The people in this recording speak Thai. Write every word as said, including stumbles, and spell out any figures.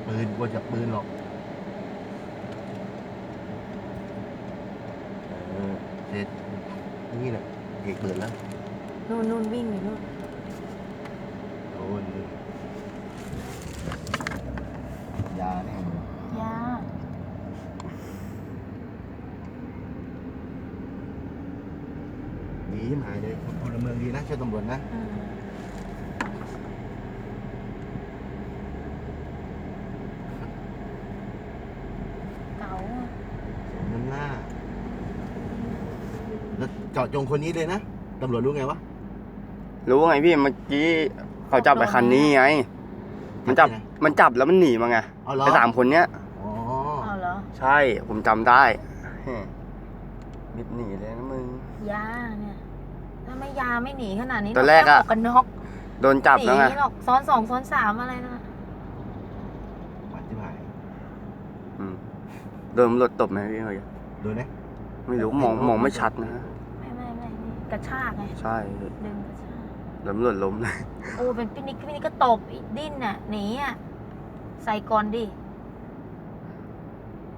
ปืนกลัวจับปืนหรอกเออเสร็จนี่แหละเอกเปิดแล้วนู่นนู่นวิ่งอยู่นู่นโดนยาเนี่ยยาดีที่หายเลยพลเมืองดีนะช่วยตำรวจนะอืมเก๋าอะสมน้ำหน้าแล้วเจาะจงคนนี้เลยนะตำรวจรู้ไงวะรู้ไงพี่เมื่อกี้เขาจับไปคันนี้ไง มันจับไงมันจับแล้วมันหนีมาไงเอาเหรอไอ้สามคนเนี้ยอ๋อเอาเหรอใช่ผมจำได้เฮ้ยบิดหนีเลยนะมึงยาเนี่ย ถ้าไม่ยาไม่หนีขนาดนี้ตอนแรกอะหมวกกันน็อกโดนจับแล้วไงหนีหรอกซ้อนสองซ้อนสามอะไรนะหวานที่หายอืมโดนตำรวจตบไหมพี่เฮ้ยโดนไหมไม่รู้มองมองไม่ชัดนะไม่ไม่ไม่นี่กระชากไงใช่ดึงกระชากตำรวจล้มเลยโอ้เป็นปินิกปินิกก็ตบอีกดิ้นน่ะหนีอ่ะใส่ก่อนดิอ